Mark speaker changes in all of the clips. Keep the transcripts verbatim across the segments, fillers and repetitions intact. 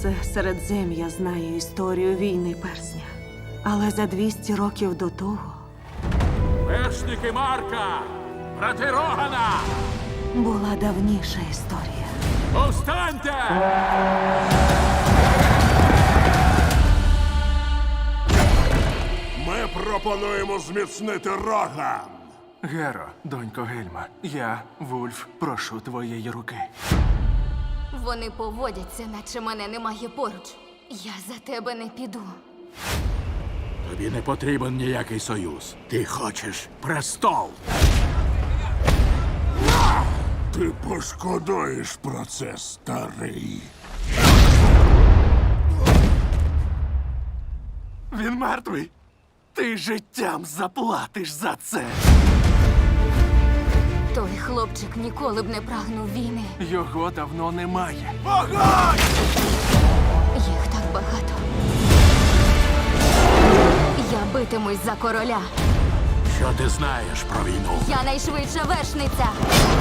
Speaker 1: Все Середзем'я знає історію війни персня. Але за двісті років до того
Speaker 2: Вершники Марка! Брати Рогана!
Speaker 1: була давніша історія.
Speaker 2: Повстаньте!
Speaker 3: Ми пропонуємо зміцнити Роган.
Speaker 4: Геро, донько Гельма, я, Вульф, прошу твоєї руки.
Speaker 5: Вони поводяться, наче мене немає поруч. Я за тебе не піду.
Speaker 2: Тобі не потрібен ніякий союз. Ти хочеш престол.
Speaker 3: Ти пошкодуєш про це, старий.
Speaker 4: Він мертвий. Ти життям заплатиш за це.
Speaker 5: Той хлопчик ніколи б не прагнув війни.
Speaker 4: Його давно немає.
Speaker 5: Їх так багато. Я битимусь за короля.
Speaker 2: Що ти знаєш про війну?
Speaker 5: Я найшвидша вершниця.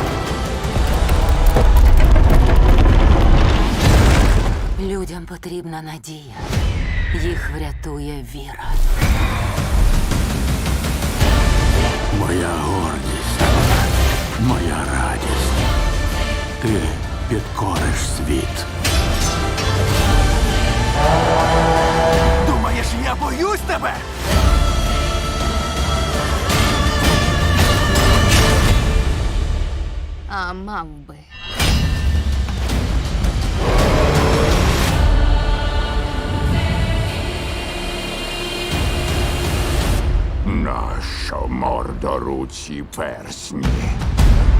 Speaker 6: Людям потрібна надія. Їх врятує віра.
Speaker 2: Моя гордість, моя радість. Ти підкориш світ.
Speaker 4: Думаєш, я боюсь тебе?
Speaker 5: А мав би.
Speaker 3: Нащо мордоруці персні?